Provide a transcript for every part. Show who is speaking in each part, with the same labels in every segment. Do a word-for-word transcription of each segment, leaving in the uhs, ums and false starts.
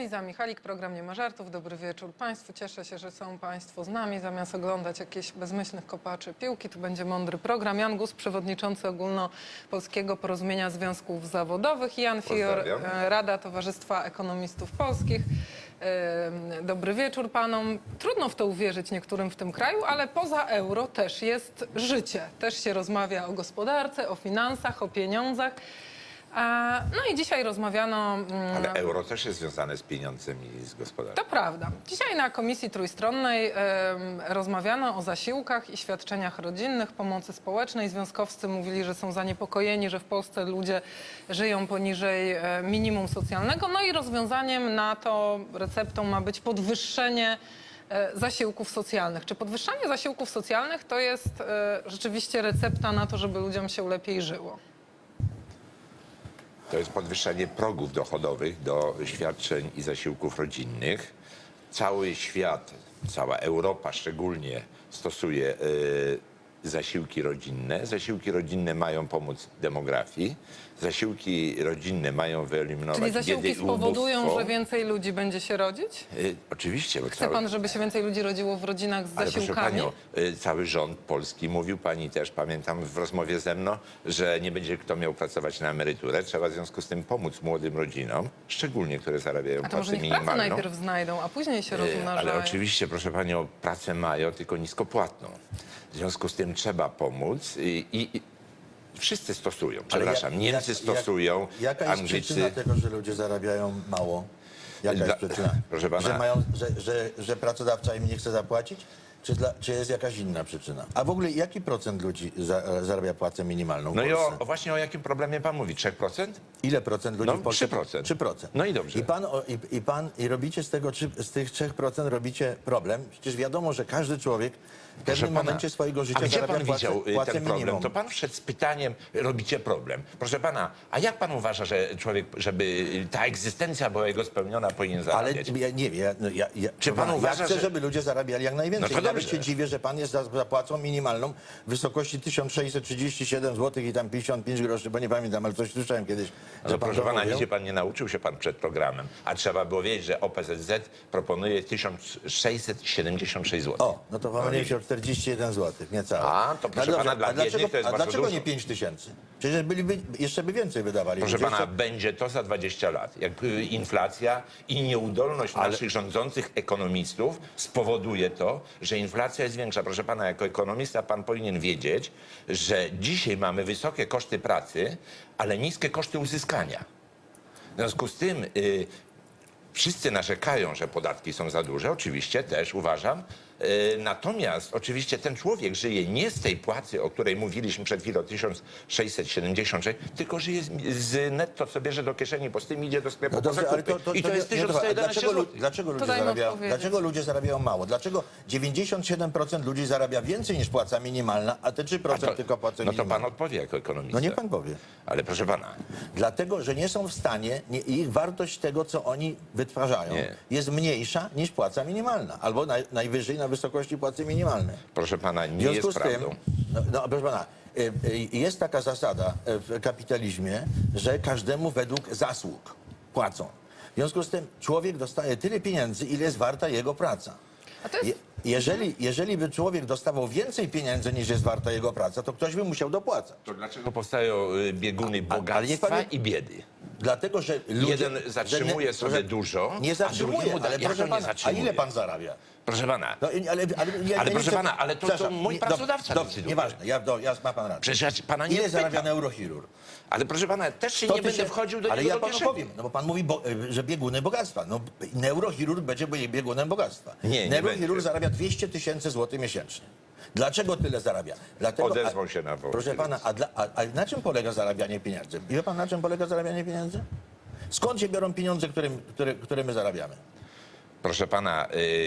Speaker 1: Liza Michalik, program Nie ma żartów. Dobry wieczór Państwu. Cieszę się, że są Państwo z nami. Zamiast oglądać jakichś bezmyślnych kopaczy piłki, tu będzie mądry program. Jan Gus, przewodniczący Ogólnopolskiego Porozumienia Związków Zawodowych. Jan Fior, Rada Towarzystwa Ekonomistów Polskich. Dobry wieczór Panom. Trudno w to uwierzyć niektórym w tym kraju, ale poza euro też jest życie. Też się rozmawia o gospodarce, o finansach, o pieniądzach. No i dzisiaj rozmawiano...
Speaker 2: Ale euro też jest związane z pieniądzem i z gospodarką.
Speaker 1: To prawda. Dzisiaj na Komisji Trójstronnej e, rozmawiano o zasiłkach i świadczeniach rodzinnych, pomocy społecznej. Związkowcy mówili, że są zaniepokojeni, że w Polsce ludzie żyją poniżej e, minimum socjalnego. No i rozwiązaniem na to, receptą ma być podwyższenie e, zasiłków socjalnych. Czy podwyższanie zasiłków socjalnych to jest e, rzeczywiście recepta na to, żeby ludziom się lepiej żyło?
Speaker 2: To jest podwyższenie progów dochodowych do świadczeń i zasiłków rodzinnych. Cały świat, cała Europa szczególnie stosuje y, zasiłki rodzinne. Zasiłki rodzinne mają pomóc demografii. Zasiłki rodzinne mają wyeliminować
Speaker 1: Czyli zasiłki
Speaker 2: biedę i
Speaker 1: spowodują,
Speaker 2: ubóstwo.
Speaker 1: że więcej ludzi będzie się rodzić?
Speaker 2: Y, oczywiście. Bo
Speaker 1: Chce
Speaker 2: cały...
Speaker 1: pan, żeby się więcej ludzi rodziło w rodzinach z
Speaker 2: Ale
Speaker 1: zasiłkami?
Speaker 2: proszę panią, y, cały rząd polski mówił, pani też pamiętam w rozmowie ze mną, że nie będzie kto miał pracować na emeryturę. Trzeba w związku z tym pomóc młodym rodzinom, szczególnie które zarabiają
Speaker 1: A to może
Speaker 2: pracę
Speaker 1: niech pracę
Speaker 2: minimalną.
Speaker 1: najpierw znajdą, a później się
Speaker 2: Y,
Speaker 1: rozmnażają.
Speaker 2: Ale oczywiście, proszę panią, pracę mają, tylko niskopłatną. W związku z tym trzeba pomóc i, i, i wszyscy stosują. Przepraszam,
Speaker 3: jak-
Speaker 2: Niemcy
Speaker 3: jak-
Speaker 2: stosują,
Speaker 3: Jaka jest
Speaker 2: Anglicy...
Speaker 3: przyczyna tego, że ludzie zarabiają mało? Jaka
Speaker 2: Dla-
Speaker 3: jest przyczyna?
Speaker 2: proszę pana-
Speaker 3: Że, mają, że, że, że pracodawca im nie chce zapłacić? Czy, dla, czy jest jakaś inna przyczyna? A w ogóle jaki procent ludzi za, zarabia płacę minimalną w
Speaker 2: No i
Speaker 3: Polsce?
Speaker 2: o, o właśnie o jakim problemie pan mówi? trzy procent?
Speaker 3: Ile procent ludzi
Speaker 2: No,
Speaker 3: w Polsce?
Speaker 2: trzy procent.
Speaker 3: trzy procent.
Speaker 2: No i dobrze.
Speaker 3: I pan, o, i, i pan i robicie z tego, trzy- z tych trzech procent robicie problem. Przecież wiadomo, że każdy człowiek w
Speaker 2: Proszę
Speaker 3: pewnym
Speaker 2: pana,
Speaker 3: momencie swojego życia
Speaker 2: a gdzie
Speaker 3: zarabia
Speaker 2: pan
Speaker 3: płacę,
Speaker 2: widział y,
Speaker 3: płacę
Speaker 2: ten problem?
Speaker 3: minimum.
Speaker 2: To pan wszedł z pytaniem, robicie problem. Proszę pana, a jak pan uważa, że człowiek, żeby y, ta egzystencja była jego spełniona, powinien
Speaker 3: Ale
Speaker 2: zarabiać?
Speaker 3: ja nie wiem, ja, no, ja, ja,
Speaker 2: Czy pan
Speaker 3: ja
Speaker 2: uważa,
Speaker 3: chcę,
Speaker 2: że-
Speaker 3: żeby ludzie zarabiali jak najwięcej.
Speaker 2: No to
Speaker 3: I nawet
Speaker 2: dobrze.
Speaker 3: się dziwię, że pan jest za zapłacą minimalną w wysokości tysiąc sześćset trzydzieści siedem złotych i tam pięćdziesiąt pięć groszy, bo nie pamiętam, ale coś słyszałem kiedyś, że
Speaker 2: No,
Speaker 3: pan
Speaker 2: proszę
Speaker 3: to
Speaker 2: pana,
Speaker 3: mówił.
Speaker 2: nigdzie pan nie nauczył się pan przed programem, a trzeba było wiedzieć, że O P Z Z proponuje tysiąc sześćset siedemdziesiąt sześć złotych.
Speaker 3: O, no to pomyliłem się o czterdzieści jeden złotych, niecałe.
Speaker 2: A, to proszę
Speaker 3: No
Speaker 2: pana,
Speaker 3: dobrze,
Speaker 2: dla
Speaker 3: a dlaczego,
Speaker 2: biednych to jest
Speaker 3: a
Speaker 2: bardzo
Speaker 3: dlaczego
Speaker 2: dużo.
Speaker 3: nie pięć tysięcy? Przecież byliby, jeszcze by więcej wydawali.
Speaker 2: Proszę
Speaker 3: Ludzie
Speaker 2: pana,
Speaker 3: jeszcze-
Speaker 2: będzie to za dwadzieścia lat. Jak y, inflacja i nieudolność naszych rządzących ekonomistów spowoduje to, że inflacja jest większa. Proszę pana, jako ekonomista pan powinien wiedzieć, że dzisiaj mamy wysokie koszty pracy, ale niskie koszty uzyskania. W związku z tym y, wszyscy narzekają, że podatki są za duże. Oczywiście też uważam. Y, Natomiast oczywiście ten człowiek żyje nie z tej płacy, o której mówiliśmy przed chwilą, tysiąc sześćset siedemdziesiąt sześć, tylko żyje z, z netto, co bierze do kieszeni, bo z tym idzie do sklepu
Speaker 3: No
Speaker 2: po
Speaker 3: dobrze,
Speaker 2: zakupy.
Speaker 3: ale to, to,
Speaker 2: I to,
Speaker 3: to
Speaker 2: jest
Speaker 3: nie- nie,
Speaker 2: tysiąc sto
Speaker 3: a
Speaker 2: jedenaście
Speaker 3: dlaczego, lu-
Speaker 2: złotych.
Speaker 3: dlaczego, ludzie
Speaker 1: daj mu
Speaker 3: zarabiają,
Speaker 1: odpowiedzieć.
Speaker 3: dlaczego ludzie zarabiają mało? Dlaczego dziewięćdziesiąt siedem procent ludzi zarabia więcej niż płaca minimalna, a te trzy
Speaker 2: A
Speaker 3: procent
Speaker 2: to,
Speaker 3: tylko płacą
Speaker 2: no to pan
Speaker 3: minimalną?
Speaker 2: odpowie jako ekonomista.
Speaker 3: No niech pan powie.
Speaker 2: Ale proszę pana,
Speaker 3: Dlatego, że nie są w stanie, nie, ich wartość tego, co oni wytwarzają,
Speaker 2: Nie.
Speaker 3: jest mniejsza niż płaca minimalna, albo naj, najwyżej na wysokości płacy minimalnej.
Speaker 2: proszę pana,
Speaker 3: W
Speaker 2: nie
Speaker 3: związku
Speaker 2: jest
Speaker 3: z tym,
Speaker 2: prawdą.
Speaker 3: no, no proszę pana, y, y, jest taka zasada y, w kapitalizmie, że każdemu według zasług płacą. W związku z tym człowiek dostaje tyle pieniędzy, ile jest warta jego praca.
Speaker 1: A to jest...
Speaker 3: Je, jeżeli, jeżeli by człowiek dostawał więcej pieniędzy, niż jest warta jego praca, to ktoś by musiał dopłacać.
Speaker 2: To dlaczego powstają y, bieguny
Speaker 3: A- ale niech pan
Speaker 2: bogactwa
Speaker 3: nie-
Speaker 2: i biedy?
Speaker 3: Dlatego, że ludzie,
Speaker 2: Jeden
Speaker 3: że
Speaker 2: zatrzymuje sobie
Speaker 3: proszę-
Speaker 2: dużo,
Speaker 3: Nie
Speaker 2: a
Speaker 3: zatrzymuje,
Speaker 2: drugiemu da-
Speaker 3: ale
Speaker 2: jak
Speaker 3: proszę
Speaker 2: to nie
Speaker 3: pana, a
Speaker 2: zatrzymuje?
Speaker 3: ile pan zarabia?
Speaker 2: Proszę pana,
Speaker 3: No, i- ale, ale, ja,
Speaker 2: Ale
Speaker 3: ja nie
Speaker 2: proszę
Speaker 3: chcę-
Speaker 2: pana, ale to- to
Speaker 3: Przepraszam,
Speaker 2: mój
Speaker 3: nie-
Speaker 2: pracodawca
Speaker 3: dobrze,
Speaker 2: decyduje.
Speaker 3: nieważne, ja, do, ja ma pan rację.
Speaker 2: przecież ja pana nie
Speaker 3: Ile zarabia
Speaker 2: pytam.
Speaker 3: neurochirurg?
Speaker 2: Ale proszę pana, też się
Speaker 3: sto
Speaker 2: nie będę
Speaker 3: tysięcy-
Speaker 2: wchodził do
Speaker 3: Ale
Speaker 2: niego
Speaker 3: ja
Speaker 2: do
Speaker 3: panu
Speaker 2: kieszeni.
Speaker 3: powiem, no bo pan mówi, bo, że bieguny bogactwa. No, neurochirurg będzie biegunem bogactwa.
Speaker 2: Nie, nie
Speaker 3: neurochirurg
Speaker 2: będzie.
Speaker 3: zarabia dwieście tysięcy złotych miesięcznie. Dlaczego tyle zarabia? Dlatego,
Speaker 2: Odezwał się na wołt.
Speaker 3: Proszę pana, a, dla, a, a na czym polega zarabianie pieniędzy? Wie pan, na czym polega zarabianie pieniędzy? Skąd się biorą pieniądze, które, które, które my zarabiamy?
Speaker 2: Proszę pana, y,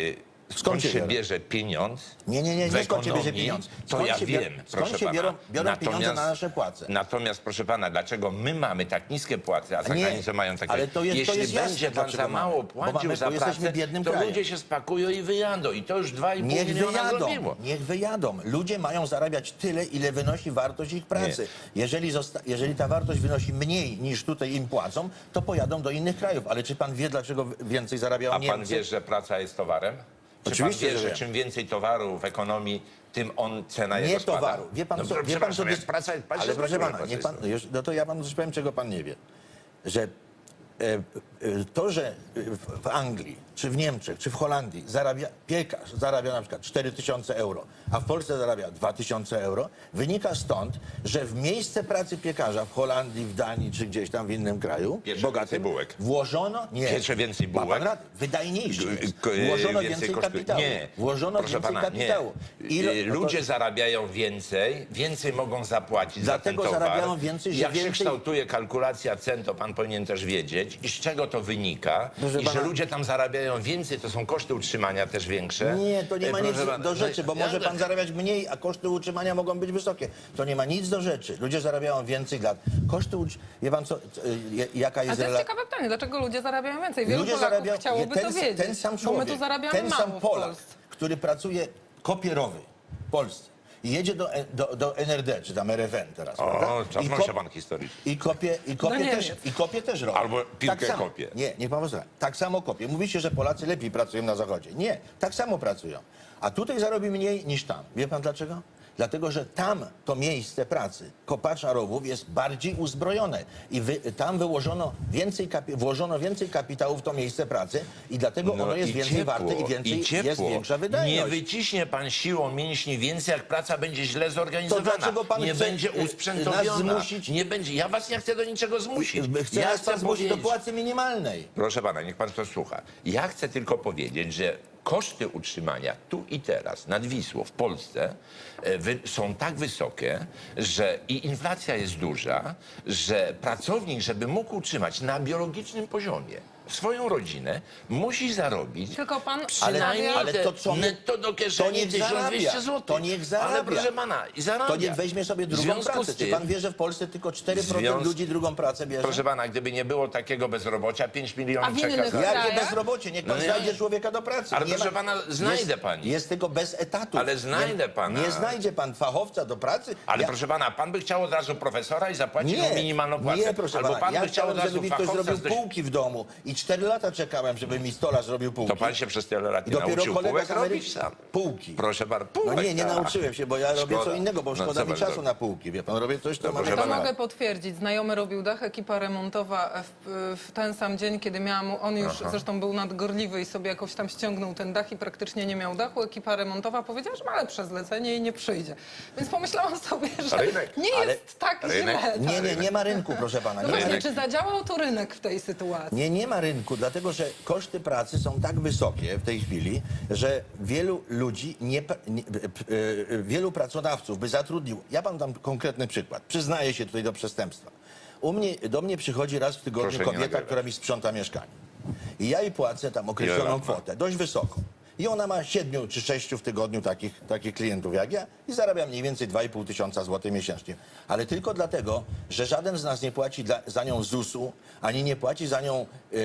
Speaker 2: skąd
Speaker 3: się
Speaker 2: się
Speaker 3: biorą?
Speaker 2: bierze pieniądz
Speaker 3: Nie, nie, nie,
Speaker 2: w
Speaker 3: nie skąd się bierze
Speaker 2: ekonomii,
Speaker 3: pieniądz.
Speaker 2: to
Speaker 3: Skąd
Speaker 2: ja
Speaker 3: się bior-
Speaker 2: wiem,
Speaker 3: skąd
Speaker 2: proszę
Speaker 3: się
Speaker 2: pana.
Speaker 3: biorą- biorą pieniądze na nasze płace?
Speaker 2: Natomiast, proszę pana, dlaczego my mamy tak niskie płace, a za
Speaker 3: Nie,
Speaker 2: granicą mają takie...
Speaker 3: ale to jest- to
Speaker 2: Jeśli
Speaker 3: jest jasne,
Speaker 2: będzie pan
Speaker 3: dlaczego
Speaker 2: za mało
Speaker 3: mamy. Bo
Speaker 2: płacił
Speaker 3: mamy-
Speaker 2: za
Speaker 3: bo jesteśmy
Speaker 2: pracę,
Speaker 3: biednym
Speaker 2: to
Speaker 3: krajem.
Speaker 2: ludzie się spakują i wyjadą. I to już dwa i pół
Speaker 3: Niech
Speaker 2: miliona
Speaker 3: wyjadą,
Speaker 2: zrobiło.
Speaker 3: niech wyjadą. Ludzie mają zarabiać tyle, ile wynosi wartość ich pracy. Jeżeli, zosta- jeżeli ta wartość wynosi mniej niż tutaj im płacą, to pojadą do innych krajów. Ale czy pan wie, dlaczego więcej zarabiają
Speaker 2: A pan
Speaker 3: Niemcy?
Speaker 2: wie, że praca jest towarem? Czy
Speaker 3: Oczywiście,
Speaker 2: pan wie,
Speaker 3: że
Speaker 2: że
Speaker 3: wiem.
Speaker 2: czym więcej towaru w ekonomii, tym on cena
Speaker 3: Nie
Speaker 2: jego spada?
Speaker 3: towaru. Wie pan
Speaker 2: no,
Speaker 3: co? Wie pan,
Speaker 2: przepraszam,
Speaker 3: co
Speaker 2: jak
Speaker 3: dys-
Speaker 2: praca, pan
Speaker 3: Ale
Speaker 2: się
Speaker 3: proszę
Speaker 2: zgodził,
Speaker 3: pana,
Speaker 2: że
Speaker 3: niech
Speaker 2: praca
Speaker 3: pan,
Speaker 2: jest
Speaker 3: już, no to ja panu coś powiem, czego pan nie wie. Że e, e, to, że w, w Anglii, czy w Niemczech, czy w Holandii zarabia, piekarz zarabia na przykład cztery tysiące euro, a w Polsce zarabia dwa tysiące euro, wynika stąd, że w miejsce pracy piekarza w Holandii, w Danii, czy gdzieś tam w innym kraju,
Speaker 2: Piecze
Speaker 3: bogatym,
Speaker 2: więcej bułek.
Speaker 3: włożono, nie,
Speaker 2: Piecze więcej
Speaker 3: ma
Speaker 2: bułek.
Speaker 3: pan rację, wydajniejszy jest.
Speaker 2: K-
Speaker 3: Włożono
Speaker 2: więcej
Speaker 3: więcej
Speaker 2: kosztuje.
Speaker 3: kapitału.
Speaker 2: Nie,
Speaker 3: Włożono
Speaker 2: proszę
Speaker 3: więcej
Speaker 2: pana,
Speaker 3: kapitału.
Speaker 2: Nie.
Speaker 3: Ile-
Speaker 2: Y,
Speaker 3: no to-
Speaker 2: Ludzie zarabiają więcej, więcej mogą zapłacić
Speaker 3: Dlatego
Speaker 2: za ten towar.
Speaker 3: zarabiają więcej, że
Speaker 2: Jak się
Speaker 3: więcej-
Speaker 2: kształtuje kalkulacja cen, to pan powinien też wiedzieć. I z czego to wynika?
Speaker 3: Proszę
Speaker 2: I że
Speaker 3: pana-
Speaker 2: ludzie tam zarabiają więcej, to są koszty utrzymania też większe.
Speaker 3: Nie, to nie
Speaker 2: E,
Speaker 3: ma
Speaker 2: proszę
Speaker 3: nic
Speaker 2: pana,
Speaker 3: do
Speaker 2: no,
Speaker 3: rzeczy, bo
Speaker 2: ja-
Speaker 3: może pan zarabiać mniej, a koszty utrzymania mogą być wysokie. To nie ma nic do rzeczy. Ludzie zarabiają więcej lat. Koszty utrz- Wie pan co, co, y, jaka
Speaker 1: A
Speaker 3: jest
Speaker 1: to jest
Speaker 3: rela-
Speaker 1: ciekawe pytanie, dlaczego ludzie zarabiają więcej? Wielu
Speaker 3: Ludzie
Speaker 1: Polaków
Speaker 3: zarabiają,
Speaker 1: chciałoby
Speaker 3: ten,
Speaker 1: to wiedzieć,
Speaker 3: ten sam
Speaker 1: bo
Speaker 3: człowiek,
Speaker 1: my tu zarabiamy
Speaker 3: ten
Speaker 1: mało
Speaker 3: sam
Speaker 1: w
Speaker 3: Polak,
Speaker 1: Polsce.
Speaker 3: który pracuje kopierowy w Polsce i jedzie do, do, do N R D, czy tam R F N teraz, prawda?
Speaker 2: O,
Speaker 3: I
Speaker 2: cofnął
Speaker 3: kop-
Speaker 2: się pan historycznie.
Speaker 3: I kopie, i kopie,
Speaker 1: Do
Speaker 3: też,
Speaker 1: Niemiec.
Speaker 3: i kopie też robi.
Speaker 2: Albo piłkę
Speaker 3: samo.
Speaker 2: kopie.
Speaker 3: Nie, niech pan posłucha. Tak samo kopie. Mówicie, że Polacy lepiej pracują na Zachodzie. Nie, tak samo pracują. A tutaj zarobi mniej niż tam. Wie pan dlaczego? Dlatego, że tam to miejsce pracy kopacza rowów jest bardziej uzbrojone i wy, tam wyłożono więcej, kapi, włożono więcej kapitału w to miejsce pracy i dlatego ono jest
Speaker 2: i
Speaker 3: więcej
Speaker 2: ciepło,
Speaker 3: warte i więcej
Speaker 2: i ciepło.
Speaker 3: jest większa wydajność.
Speaker 2: Nie wyciśnie pan siłą mięśni więcej, jak praca będzie źle zorganizowana.
Speaker 3: To dlaczego pan
Speaker 2: nie
Speaker 3: chce,
Speaker 2: będzie
Speaker 3: y,
Speaker 2: usprzętowiona.
Speaker 3: nas zmusić-
Speaker 2: Nie będzie. Ja was nie chcę do niczego zmusić.
Speaker 3: Chce
Speaker 2: ja
Speaker 3: nas pan zmusić do
Speaker 2: powiedzieć-
Speaker 3: płacy minimalnej.
Speaker 2: Proszę pana, niech pan to słucha. Ja chcę tylko powiedzieć, że koszty utrzymania tu i teraz nad Wisłą w Polsce e, wy, są tak wysokie, że i inflacja jest duża, że pracownik, żeby mógł utrzymać na biologicznym poziomie swoją rodzinę, musi zarobić
Speaker 1: Tylko pan
Speaker 2: przynajmniej
Speaker 1: stawia-
Speaker 3: ale to co-
Speaker 2: netto do kieszeni
Speaker 3: niech
Speaker 2: tysiąc dwieście
Speaker 3: zarabia.
Speaker 2: złotych.
Speaker 3: To niech zarabia.
Speaker 2: Ale proszę pana, i zarabia.
Speaker 3: To niech weźmie sobie
Speaker 2: W
Speaker 3: drugą
Speaker 2: związku
Speaker 3: pracę.
Speaker 2: z
Speaker 3: Czy
Speaker 2: tym-
Speaker 3: pan wie, że w Polsce tylko cztery procent
Speaker 2: Związku-
Speaker 3: ludzi drugą pracę bierze?
Speaker 2: Proszę pana, gdyby nie było takiego bezrobocia, pięć milionów
Speaker 1: A w
Speaker 2: czeka
Speaker 1: innych
Speaker 2: za...
Speaker 1: krajach?
Speaker 3: Jakie
Speaker 1: krajach?
Speaker 3: bezrobocie? Niech pan
Speaker 2: No nie.
Speaker 3: znajdzie człowieka do pracy.
Speaker 2: Ale
Speaker 3: Nie
Speaker 2: proszę pana, znajdę
Speaker 3: jest,
Speaker 2: pani.
Speaker 3: Jest tylko bez etatu.
Speaker 2: Ale znajdę pana.
Speaker 3: Nie znajdzie pan fachowca do pracy.
Speaker 2: Ale
Speaker 3: Ja-
Speaker 2: proszę pana, pan by chciał od razu profesora i zapłacić
Speaker 3: nie,
Speaker 2: mu minimalną płacę.
Speaker 3: nie, proszę
Speaker 2: Albo
Speaker 3: pana.
Speaker 2: pan
Speaker 3: Ja
Speaker 2: by chciał od
Speaker 3: chciałem,
Speaker 2: razu
Speaker 3: żeby mi ktoś
Speaker 2: fachowca
Speaker 3: zrobił
Speaker 2: z dość...
Speaker 3: półki w domu i cztery lata czekałem, żeby mi stolarz zrobił półki.
Speaker 2: To pan się przez tyle lat
Speaker 3: I
Speaker 2: nie
Speaker 3: dopiero
Speaker 2: nauczył
Speaker 3: kolega
Speaker 2: półek
Speaker 3: z Ameryki
Speaker 2: robić sam.
Speaker 3: półki.
Speaker 2: Proszę bardzo,
Speaker 3: No
Speaker 2: półek,
Speaker 3: nie, nie
Speaker 2: tak.
Speaker 3: nauczyłem się, bo ja robię co
Speaker 2: Szkoda.
Speaker 3: innego, bo
Speaker 2: No,
Speaker 3: szkoda
Speaker 2: co
Speaker 3: mi
Speaker 2: pan
Speaker 3: czasu
Speaker 2: zrobi?
Speaker 3: na półki. Wie pan, robię coś, co
Speaker 2: No,
Speaker 3: ma
Speaker 2: proszę
Speaker 3: mnie
Speaker 1: To
Speaker 2: pana.
Speaker 3: bawić.
Speaker 1: mogę potwierdzić. Znajomy robił dach, ekipa remontowa w, w ten sam dzień, kiedy miałam, on już zresztą był nadgorliwy i sobie jakoś tam ściągnął ten dach i praktycznie nie miał dachu. Ekipa remontowa powiedziała, że ma lepsze zlecenie i nie przyjdzie. Więc pomyślałam sobie, że
Speaker 2: Rynek.
Speaker 1: nie
Speaker 3: Ale-
Speaker 1: jest tak
Speaker 2: Rynek.
Speaker 1: źle.
Speaker 3: Nie, nie, nie ma rynku, proszę pana.
Speaker 1: No
Speaker 3: Nie ma
Speaker 1: właśnie,
Speaker 3: rynku.
Speaker 1: czy zadziałał to rynek w tej sytuacji?
Speaker 3: Nie, nie ma rynku, dlatego że koszty pracy są tak wysokie w tej chwili, że wielu ludzi, nie, pra- nie, p- p- e, wielu pracodawców by zatrudnił. Ja panu dam konkretny przykład. Przyznaję się tutaj do przestępstwa. U mnie, do mnie przychodzi raz w tygodniu
Speaker 2: Proszę nie
Speaker 3: kobieta,
Speaker 2: nagrywać.
Speaker 3: która mi sprząta mieszkanie. I ja jej płacę tam określoną
Speaker 2: lat ma?
Speaker 3: kwotę, dość wysoką. I ona ma siedmiu czy sześciu w tygodniu takich, takich klientów jak ja i zarabia mniej więcej dwa i pół tysiąca złotych miesięcznie. Ale tylko dlatego, że żaden z nas nie płaci dla, za nią zusu, ani nie płaci za nią yy,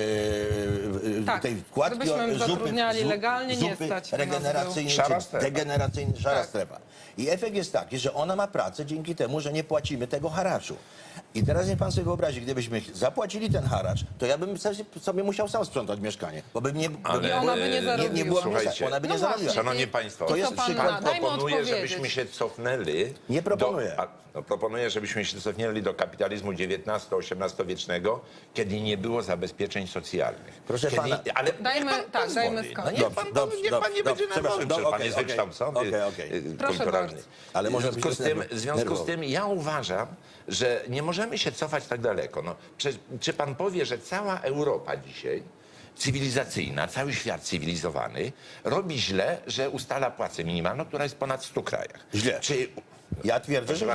Speaker 3: yy,
Speaker 1: Tak,
Speaker 3: tej wkładki
Speaker 1: gdybyśmy
Speaker 3: o-
Speaker 1: zatrudniali
Speaker 3: zu-
Speaker 1: legalnie, nie
Speaker 3: zupy
Speaker 1: stać nas
Speaker 3: regeneracyjnej
Speaker 2: było. Szara
Speaker 3: czy
Speaker 2: strefa.
Speaker 3: degeneracyjnej, szara
Speaker 1: Tak.
Speaker 3: strefa. I efekt jest taki, że ona ma pracę dzięki temu, że nie płacimy tego haraczu. I teraz niech pan sobie wyobrazi, gdybyśmy zapłacili ten haracz, to ja bym sobie- sobie musiał sam sprzątać mieszkanie, bo bym nie,
Speaker 2: Ale-
Speaker 1: I ona by nie
Speaker 2: e,
Speaker 1: zarobiła.
Speaker 3: nie, nie była
Speaker 2: Słuchajcie,
Speaker 3: miejsca, ona by
Speaker 1: no
Speaker 3: nie
Speaker 1: właśnie.
Speaker 3: zarobiła.
Speaker 2: Szanowni Państwo,
Speaker 3: To jest
Speaker 1: Co pan
Speaker 3: przykład.
Speaker 1: na- daj mu
Speaker 2: proponuję,
Speaker 1: odpowiedzieć.
Speaker 2: żebyśmy się cofnęli...
Speaker 3: Nie proponuję.
Speaker 2: Do, a, no, proponuję, żebyśmy się cofnęli do kapitalizmu dziewiętnasto-osiemnastowiecznego, kiedy nie było zabezpieczeń socjalnych.
Speaker 3: Proszę
Speaker 2: kiedy,
Speaker 3: pana-
Speaker 2: Ale
Speaker 1: Dajmy-
Speaker 2: niech pan
Speaker 1: tak,
Speaker 2: pozwoli.
Speaker 1: dajmy
Speaker 2: No
Speaker 1: skończyć.
Speaker 2: niech
Speaker 3: Dobrze,
Speaker 2: pan,
Speaker 3: dobrze,
Speaker 2: niech pan
Speaker 3: dobrze,
Speaker 2: nie będzie
Speaker 3: dobrze,
Speaker 2: nerwowy,
Speaker 3: przepraszam,
Speaker 2: przecież pan
Speaker 3: okej,
Speaker 2: jest
Speaker 3: okej,
Speaker 2: wykształcony,
Speaker 3: okej, okej.
Speaker 2: y,
Speaker 1: Proszę
Speaker 2: kulturalny.
Speaker 1: bardzo.
Speaker 3: Ale może
Speaker 2: w związku,
Speaker 3: być
Speaker 2: z tym,
Speaker 3: nerwowy.
Speaker 2: w związku z
Speaker 3: nerwowy.
Speaker 2: tym ja uważam, że nie możemy się cofać tak daleko. No, czy, czy pan powie, że cała Europa dzisiaj cywilizacyjna, cały świat cywilizowany robi źle, że ustala płacę minimalną, która jest w ponad stu krajach?
Speaker 3: Źle.
Speaker 2: Czy,
Speaker 3: Ja twierdzę,
Speaker 2: proszę
Speaker 3: że
Speaker 2: pana,
Speaker 3: źle.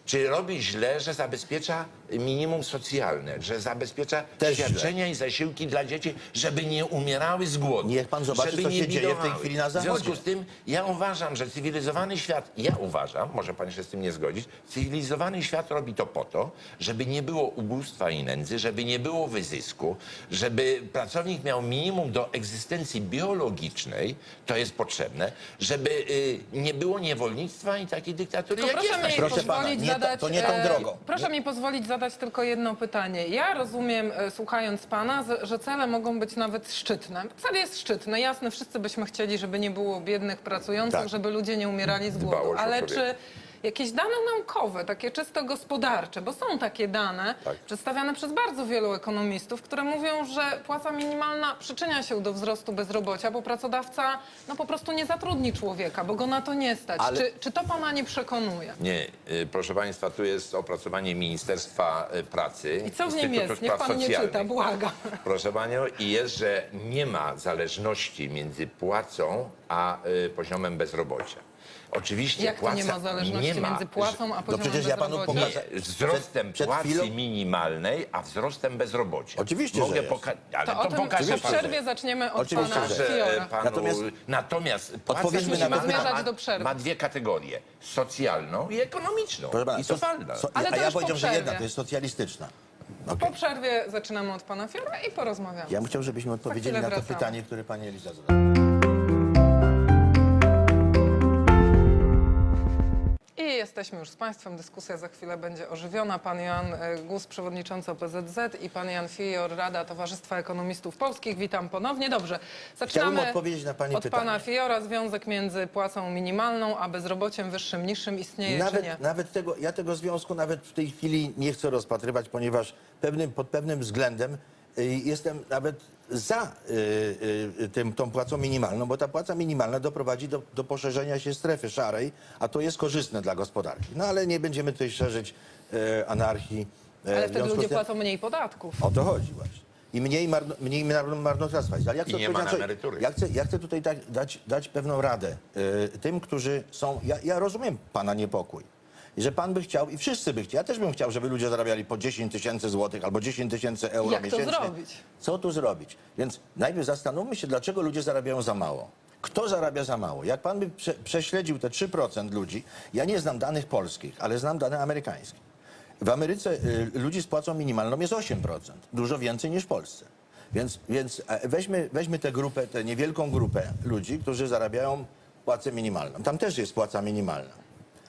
Speaker 2: Czy robi źle, że zabezpiecza minimum socjalne, że zabezpiecza
Speaker 3: Też
Speaker 2: świadczenia i zasiłki dla dzieci, żeby nie umierały z głodu?
Speaker 3: Niech pan zobaczy,
Speaker 2: żeby
Speaker 3: co
Speaker 2: nie
Speaker 3: się dzieje w tej
Speaker 2: bidowały.
Speaker 3: chwili na
Speaker 2: W związku
Speaker 3: Zachodzie.
Speaker 2: z tym ja uważam, że cywilizowany świat, ja uważam, może pan się z tym nie zgodzić, cywilizowany świat robi to po to, żeby nie było ubóstwa i nędzy, żeby nie było wyzysku, żeby pracownik miał minimum do egzystencji biologicznej, to jest potrzebne, żeby y, nie było niewolnictwa i takiej dyktatury,
Speaker 1: To
Speaker 2: jak
Speaker 1: proszę
Speaker 2: jest na
Speaker 1: mi
Speaker 2: świecie.
Speaker 3: Proszę pana,
Speaker 1: pozwolić
Speaker 3: nie ta-
Speaker 1: zadać,
Speaker 3: to nie tą
Speaker 1: e,
Speaker 3: drogą.
Speaker 1: Proszę mi pozwolić zadać tylko jedno pytanie. Ja rozumiem, e, słuchając pana, z- że cele mogą być nawet szczytne. Cel jest szczytny, jasne, wszyscy byśmy chcieli, żeby nie było biednych pracujących,
Speaker 3: Tak.
Speaker 1: żeby ludzie nie umierali z głodu.
Speaker 2: Dbałość o
Speaker 1: Ale
Speaker 2: człowieka.
Speaker 1: czy jakieś dane naukowe, takie czysto gospodarcze, bo są takie dane
Speaker 2: Tak.
Speaker 1: przedstawiane przez bardzo wielu ekonomistów, które mówią, że płaca minimalna przyczynia się do wzrostu bezrobocia, bo pracodawca no, po prostu nie zatrudni człowieka, bo go na to nie stać.
Speaker 3: Ale-
Speaker 1: Czy, czy to pana nie przekonuje?
Speaker 2: Nie, y, proszę państwa, tu jest opracowanie Ministerstwa y, Pracy.
Speaker 1: I co w nim
Speaker 2: Instytutu
Speaker 1: jest? Niech
Speaker 2: Spraw
Speaker 1: pan nie
Speaker 2: Socjalnych.
Speaker 1: czyta, błagam.
Speaker 2: Proszę panią, i jest, że nie ma zależności między płacą a y, poziomem bezrobocia. Oczywiście
Speaker 1: Jak to
Speaker 2: płaca
Speaker 1: nie ma zależności
Speaker 2: nie ma,
Speaker 1: między płacą a
Speaker 3: No
Speaker 1: poziomem
Speaker 3: przecież ja panu
Speaker 1: bezrobocia?
Speaker 3: pokażę.
Speaker 2: nie, wzrostem
Speaker 3: Przed- przed
Speaker 2: płacy
Speaker 3: chwilą-
Speaker 2: minimalnej, a wzrostem bezrobocia.
Speaker 3: Oczywiście,
Speaker 2: Mogę
Speaker 3: że jest.
Speaker 2: poka- ale
Speaker 1: To
Speaker 2: to,
Speaker 1: o tym
Speaker 2: pokażę
Speaker 1: po
Speaker 2: panu.
Speaker 1: przerwie zaczniemy od
Speaker 3: Oczywiście,
Speaker 1: pana
Speaker 3: że-
Speaker 2: Że
Speaker 1: Fiora.
Speaker 2: panu,
Speaker 3: Natomiast-
Speaker 2: natomiast płaca
Speaker 3: Odpowiedzmy na
Speaker 2: minimalna
Speaker 1: pytanie.
Speaker 2: ma,
Speaker 1: Zmierzać do przerwy.
Speaker 2: ma dwie kategorie. Socjalną i ekonomiczną.
Speaker 3: Proszę pana,
Speaker 2: I
Speaker 3: so-
Speaker 2: socjalna.
Speaker 3: so-
Speaker 1: Ale
Speaker 3: a
Speaker 1: to
Speaker 3: ja
Speaker 1: już po
Speaker 3: powiedziałem, że
Speaker 1: przerwie.
Speaker 3: jedna to jest socjalistyczna.
Speaker 1: Po przerwie zaczynamy od pana Fiora i porozmawiamy.
Speaker 3: Ja bym chciał, żebyśmy odpowiedzieli
Speaker 1: chwilę
Speaker 3: na to
Speaker 1: wracamy.
Speaker 3: pytanie, które pani Eliza zadała.
Speaker 1: I jesteśmy już z państwem. Dyskusja za chwilę będzie ożywiona. Pan Jan e, Gus, przewodniczący O P Z Z i pan Jan Fior, Rada Towarzystwa Ekonomistów Polskich. Witam ponownie. Dobrze, zaczynamy
Speaker 3: Chciałbym odpowiedzieć na pani
Speaker 1: od
Speaker 3: pytanie.
Speaker 1: pana Fiora. Związek między płacą minimalną a bezrobociem wyższym, niższym istnieje czy nie?
Speaker 3: Nawet, nawet tego, ja tego związku nawet w tej chwili nie chcę rozpatrywać, ponieważ pewnym, pod pewnym względem y, jestem nawet za y, y, tym, tą płacą minimalną, bo ta płaca minimalna doprowadzi do, do poszerzenia się strefy szarej, a to jest korzystne dla gospodarki. No ale nie będziemy tutaj szerzyć y, anarchii. y,
Speaker 1: Ale
Speaker 3: w
Speaker 1: wtedy
Speaker 3: związku
Speaker 1: ludzie
Speaker 3: z tym-
Speaker 1: płacą mniej podatków.
Speaker 3: O to chodzi właśnie. I mniej, marno, mniej mar- marnotrawstwa jest. Ale ja chcę
Speaker 2: I nie ma
Speaker 3: odpowiedzieć
Speaker 2: na
Speaker 3: na coś-
Speaker 2: emerytury.
Speaker 3: Ja chcę, ja chcę tutaj dać, dać, dać pewną radę y, tym, którzy są... Ja, ja rozumiem pana niepokój. I że pan by chciał, i wszyscy by chcieli, ja też bym chciał, żeby ludzie zarabiali po dziesięć tysięcy złotych albo dziesięć tysięcy euro
Speaker 1: Jak to
Speaker 3: miesięcznie.
Speaker 1: zrobić?
Speaker 3: Co tu zrobić? Więc najpierw zastanówmy się, dlaczego ludzie zarabiają za mało. Kto zarabia za mało? Jak pan by prze, prześledził te trzy procent ludzi, ja nie znam danych polskich, ale znam dane amerykańskie. W Ameryce y, ludzi z płacą minimalną jest osiem procent, dużo więcej niż w Polsce. Więc, więc e, weźmy, weźmy tę grupę, tę niewielką grupę ludzi, którzy zarabiają płacę minimalną. Tam też jest płaca minimalna.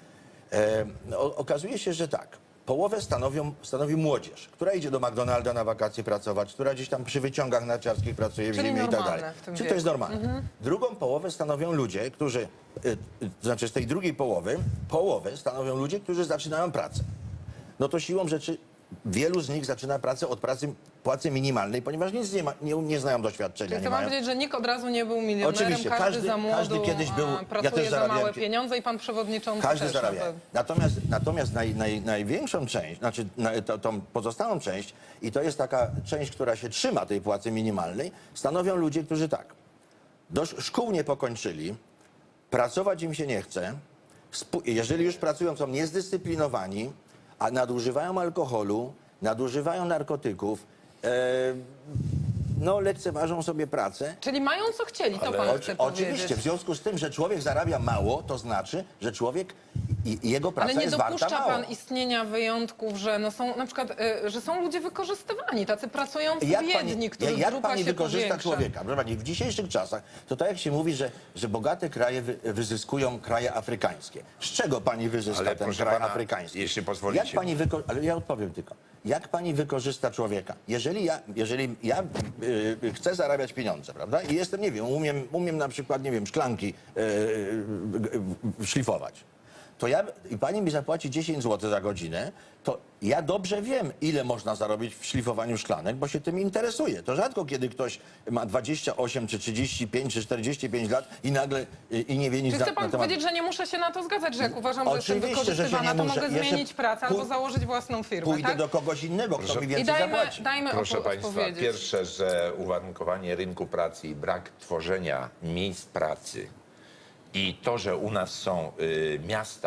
Speaker 3: E, o, okazuje się, że tak. Połowę stanowią, stanowi młodzież, która idzie do McDonalda na wakacje pracować, która gdzieś tam przy wyciągach narciarskich pracuje w
Speaker 1: Czyli
Speaker 3: zimie i tak
Speaker 1: normalne
Speaker 3: dalej.
Speaker 1: w tym
Speaker 3: Czy to jest
Speaker 1: wieku.
Speaker 3: normalne? Drugą połowę stanowią ludzie, którzy, y, y, to znaczy z tej drugiej połowy, połowę stanowią ludzie, którzy zaczynają pracę. No to siłą rzeczy wielu z nich zaczyna pracę od pracy płacy minimalnej, ponieważ nic nie, ma, nie, nie znają doświadczenia.
Speaker 1: Czyli
Speaker 3: Nie
Speaker 1: to mam
Speaker 3: mają.
Speaker 1: powiedzieć, że nikt od razu nie był milionerem,
Speaker 3: Oczywiście,
Speaker 1: każdy,
Speaker 3: każdy-
Speaker 1: za młodu
Speaker 3: każdy kiedyś był-
Speaker 1: a,
Speaker 3: ja
Speaker 1: pracuje
Speaker 3: też
Speaker 1: za
Speaker 3: zarabiałem
Speaker 1: małe
Speaker 3: pi-
Speaker 1: pieniądze i pan przewodniczący
Speaker 3: Każdy
Speaker 1: też.
Speaker 3: zarabia.
Speaker 1: na pewno.
Speaker 3: Natomiast, natomiast naj, naj, największą część, znaczy na, to, tą pozostałą część, i to jest taka część, która się trzyma tej płacy minimalnej, stanowią ludzie, którzy tak, do sz- szkół nie pokończyli, pracować im się nie chce, spu- jeżeli już pracują, są niezdyscyplinowani, a nadużywają alkoholu, nadużywają narkotyków, e, no lekceważą sobie pracę.
Speaker 1: Czyli mają co chcieli, to pan
Speaker 3: Oczy-
Speaker 1: chce
Speaker 3: Oczywiście, w
Speaker 1: powiedzieć.
Speaker 3: związku z tym, że człowiek zarabia mało, to znaczy, że człowiek i, i jego praca
Speaker 1: Ale nie
Speaker 3: jest warta
Speaker 1: dopuszcza
Speaker 3: mało.
Speaker 1: pan istnienia wyjątków, że no są na przykład, y, że są ludzie wykorzystywani, tacy pracujący biedni, których
Speaker 3: jak
Speaker 1: grupa
Speaker 3: pani
Speaker 1: się
Speaker 3: wykorzysta
Speaker 1: powiększa.
Speaker 3: człowieka? Proszę pani, w dzisiejszych czasach, to tak jak się mówi, że, że bogate kraje wy, wyzyskują kraje afrykańskie. Z czego pani wyzyska
Speaker 2: Ale
Speaker 3: ten
Speaker 2: proszę
Speaker 3: kraj
Speaker 2: pana,
Speaker 3: afrykański?
Speaker 2: jeśli pozwolicie.
Speaker 3: Jak pani wyko- ale ja odpowiem tylko. Jak pani wykorzysta człowieka? Jeżeli ja, jeżeli ja y, y, chcę zarabiać pieniądze, prawda? I jestem, nie wiem, umiem, umiem na przykład, nie wiem, szklanki y, y, y, szlifować. To ja, i pani mi zapłaci dziesięć złotych za godzinę, to ja dobrze wiem, ile można zarobić w szlifowaniu szklanek, bo się tym interesuję. To rzadko kiedy ktoś ma dwadzieścia osiem, czy trzydzieści pięć, czy czterdzieści pięć lat i nagle y, i nie wie nic
Speaker 1: Czy
Speaker 3: na,
Speaker 1: chce pan
Speaker 3: na temat...
Speaker 1: powiedzieć, że nie muszę się na to zgadzać, że jak uważam, że jestem
Speaker 3: Oczywiście, że się
Speaker 1: wykorzystywana,
Speaker 3: nie
Speaker 1: to
Speaker 3: muszę.
Speaker 1: mogę
Speaker 3: Jeszcze
Speaker 1: zmienić pracę albo
Speaker 3: pój-
Speaker 1: założyć własną firmę,
Speaker 3: Pójdę
Speaker 1: tak?
Speaker 3: do kogoś innego, kto mi
Speaker 1: I
Speaker 3: więcej
Speaker 1: dajmy,
Speaker 3: zapłaci.
Speaker 1: dajmy
Speaker 2: Proszę
Speaker 1: opo-
Speaker 2: Państwa,
Speaker 1: odpowiedzieć.
Speaker 2: pierwsze, że uwarunkowanie rynku pracy i brak tworzenia miejsc pracy i to, że u nas są y, miasta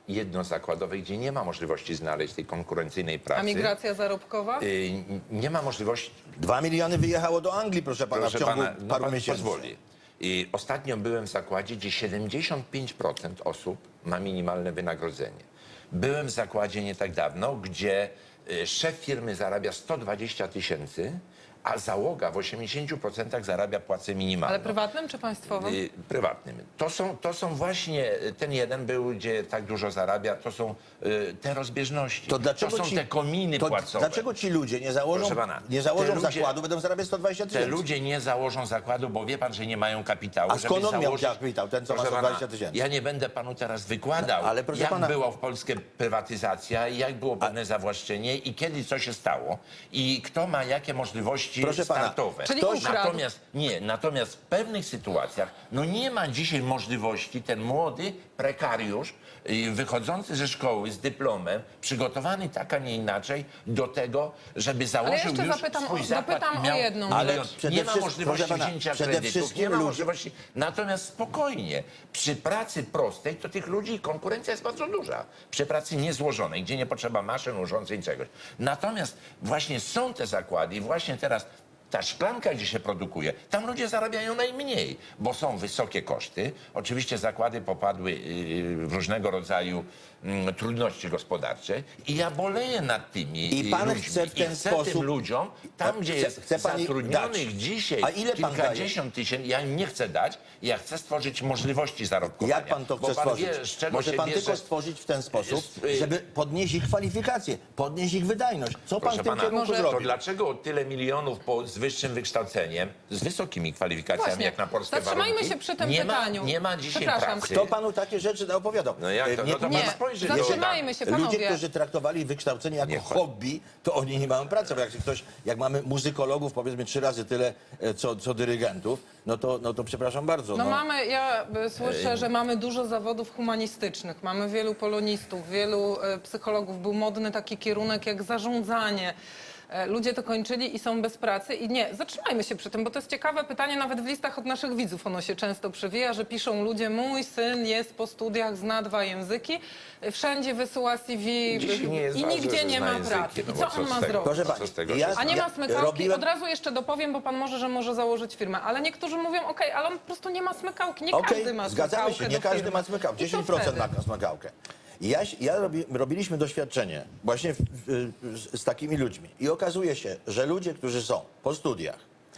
Speaker 2: jednozakładowej, gdzie nie ma możliwości znaleźć tej konkurencyjnej pracy.
Speaker 1: A migracja zarobkowa?
Speaker 2: Y, nie ma możliwości.
Speaker 3: Dwa miliony wyjechało do Anglii, proszę pana,
Speaker 2: Proszę
Speaker 3: w ciągu
Speaker 2: pana, no
Speaker 3: paru
Speaker 2: pan
Speaker 3: miesięcy.
Speaker 2: pozwoli. I ostatnio byłem w zakładzie, gdzie siedemdziesiąt pięć procent osób ma minimalne wynagrodzenie. Byłem w zakładzie nie tak dawno, gdzie y, szef firmy zarabia sto dwadzieścia tysięcy, a załoga w osiemdziesięciu procentach zarabia płacę minimalną.
Speaker 1: Ale prywatnym czy państwowym?
Speaker 2: Y, prywatnym. To są, to są właśnie, ten jeden był, gdzie tak dużo zarabia, to są y, te rozbieżności.
Speaker 3: To dlaczego
Speaker 2: są
Speaker 3: ci,
Speaker 2: te kominy
Speaker 3: to
Speaker 2: płacowe.
Speaker 3: Dlaczego ci ludzie nie założą,
Speaker 2: Proszę pana,
Speaker 3: nie założą
Speaker 2: te ludzie-
Speaker 3: zakładu, będą zarabiać sto dwadzieścia
Speaker 2: Te
Speaker 3: tysięcy?
Speaker 2: ludzie nie założą zakładu, bo wie pan, że nie mają kapitału,
Speaker 3: A
Speaker 2: żeby
Speaker 3: skąd on miał
Speaker 2: założyć...
Speaker 3: kapitał, ten, co ma
Speaker 2: Proszę
Speaker 3: sto dwadzieścia
Speaker 2: pana,
Speaker 3: tysięcy?
Speaker 2: Ja nie będę panu teraz wykładał,
Speaker 3: No, ale proszę
Speaker 2: jak
Speaker 3: pana-
Speaker 2: była w Polsce prywatyzacja, jak było pewne zawłaszczenie i kiedy co się stało i kto ma jakie możliwości
Speaker 3: Proszę pana,
Speaker 2: startowe.
Speaker 1: Czyli
Speaker 3: Ktoś-
Speaker 1: ukradł.
Speaker 2: Natomiast nie, natomiast w pewnych sytuacjach no nie ma dzisiaj możliwości ten młody prekariusz y, wychodzący ze szkoły z dyplomem, przygotowany tak, a nie inaczej do tego, żeby założył
Speaker 1: jeszcze
Speaker 2: już
Speaker 1: zapytam
Speaker 2: swój
Speaker 1: o-
Speaker 2: zakład
Speaker 1: dopytam
Speaker 2: i
Speaker 1: o
Speaker 2: miał
Speaker 1: jedną
Speaker 2: milion.
Speaker 3: Ale przede
Speaker 2: Nie ma
Speaker 3: wszystkim-
Speaker 2: możliwości
Speaker 3: proszę pana,
Speaker 2: wzięcia
Speaker 3: przede
Speaker 2: kredytów,
Speaker 3: wszystkim
Speaker 2: nie ma
Speaker 3: ludzie-
Speaker 2: możliwości. Natomiast spokojnie, przy pracy prostej to tych ludzi konkurencja jest bardzo duża. Przy pracy niezłożonej, gdzie nie potrzeba maszyn, urządzeń, czegoś. Natomiast właśnie są te zakłady i właśnie teraz ta szklanka, gdzie się produkuje, tam ludzie zarabiają najmniej, bo są wysokie koszty. Oczywiście zakłady popadły yy, w różnego rodzaju mm, trudności gospodarcze i ja boleję nad tymi
Speaker 3: I
Speaker 2: yy,
Speaker 3: pan
Speaker 2: ludźmi.
Speaker 3: chce w ten
Speaker 2: I chcę
Speaker 3: sposób-
Speaker 2: tym ludziom, tam gdzie
Speaker 3: Chce-
Speaker 2: jest
Speaker 3: chce pani
Speaker 2: zatrudnionych
Speaker 3: dać.
Speaker 2: dzisiaj
Speaker 3: A ile pan
Speaker 2: kilkadziesiąt tysięcy, ja im nie chcę dać, ja chcę stworzyć możliwości zarobkowania.
Speaker 3: Jak pan to
Speaker 2: Bo
Speaker 3: chce
Speaker 2: pan
Speaker 3: stworzyć?
Speaker 2: Wie, z czego
Speaker 3: Może
Speaker 2: się
Speaker 3: pan
Speaker 2: bierze...
Speaker 3: tylko stworzyć w ten sposób,
Speaker 2: Jest, y-
Speaker 3: żeby podnieść ich kwalifikacje, podnieść ich wydajność. Co pan
Speaker 2: Proszę
Speaker 3: w tym
Speaker 2: pana,
Speaker 3: kierunku
Speaker 1: może-
Speaker 2: to
Speaker 3: zrobi?
Speaker 2: dlaczego tyle milionów po, z wyższym wykształceniem, z wysokimi kwalifikacjami,
Speaker 1: Właśnie.
Speaker 2: jak na polskie
Speaker 1: Zatrzymajmy
Speaker 2: warunki,
Speaker 1: się przy tym
Speaker 2: nie
Speaker 1: pytaniu.
Speaker 2: Ma, nie ma dzisiaj
Speaker 1: Przepraszam.
Speaker 2: pracy.
Speaker 3: Kto panu takie rzeczy opowiadał?
Speaker 2: No jak to?
Speaker 3: Nie-
Speaker 2: No to
Speaker 1: Nie,
Speaker 2: pan spojrzy do
Speaker 1: zatrzymajmy się, panowie.
Speaker 3: Ludzie, którzy traktowali wykształcenie jako
Speaker 2: Niech pan-
Speaker 3: hobby, to oni nie mają pracy. Bo jak ktoś, jak mamy muzykologów, powiedzmy trzy razy tyle, e, co, co dyrygentów, no to, no to przepraszam bardzo.
Speaker 1: No mamy, ja y, słyszę, że mamy dużo zawodów humanistycznych, mamy wielu polonistów, wielu y, psychologów. Był modny taki kierunek jak zarządzanie. E, Ludzie to kończyli i są bez pracy. I nie, zatrzymajmy się przy tym, bo to jest ciekawe pytanie, nawet w listach od naszych widzów ono się często przewija, że piszą ludzie, mój syn jest po studiach, zna dwa języki, y, wszędzie wysyła C V
Speaker 2: Dzisiaj nie jest
Speaker 1: i
Speaker 2: ważne,
Speaker 1: nigdzie
Speaker 2: że
Speaker 1: nie
Speaker 2: zna
Speaker 1: ma
Speaker 2: języki,
Speaker 1: pracy.
Speaker 2: no
Speaker 1: I
Speaker 2: bo
Speaker 1: co
Speaker 2: co
Speaker 1: on
Speaker 2: z
Speaker 1: ma
Speaker 2: tego?
Speaker 1: zrobić?
Speaker 3: Proszę
Speaker 2: Co
Speaker 3: pani,
Speaker 2: z tego,
Speaker 3: ja-
Speaker 2: że-
Speaker 1: A nie
Speaker 3: ja
Speaker 1: ma smykałki?
Speaker 3: robiłem-
Speaker 1: Od razu jeszcze dopowiem, bo pan może, że może założyć firmę. Ale niektórzy mówią, okej, ale on po prostu nie ma smykałki. Nie
Speaker 3: Okej,
Speaker 1: każdy ma
Speaker 3: zgadzamy
Speaker 1: smykałkę
Speaker 3: się, nie
Speaker 1: do
Speaker 3: każdy
Speaker 1: firmy.
Speaker 3: ma smykałkę.
Speaker 1: I co
Speaker 3: dziesięć procent
Speaker 1: wtedy?
Speaker 3: ma smykałkę. I Ja, ja robi, robiliśmy doświadczenie właśnie w, w, z, z takimi ludźmi. I okazuje się, że ludzie, którzy są po studiach,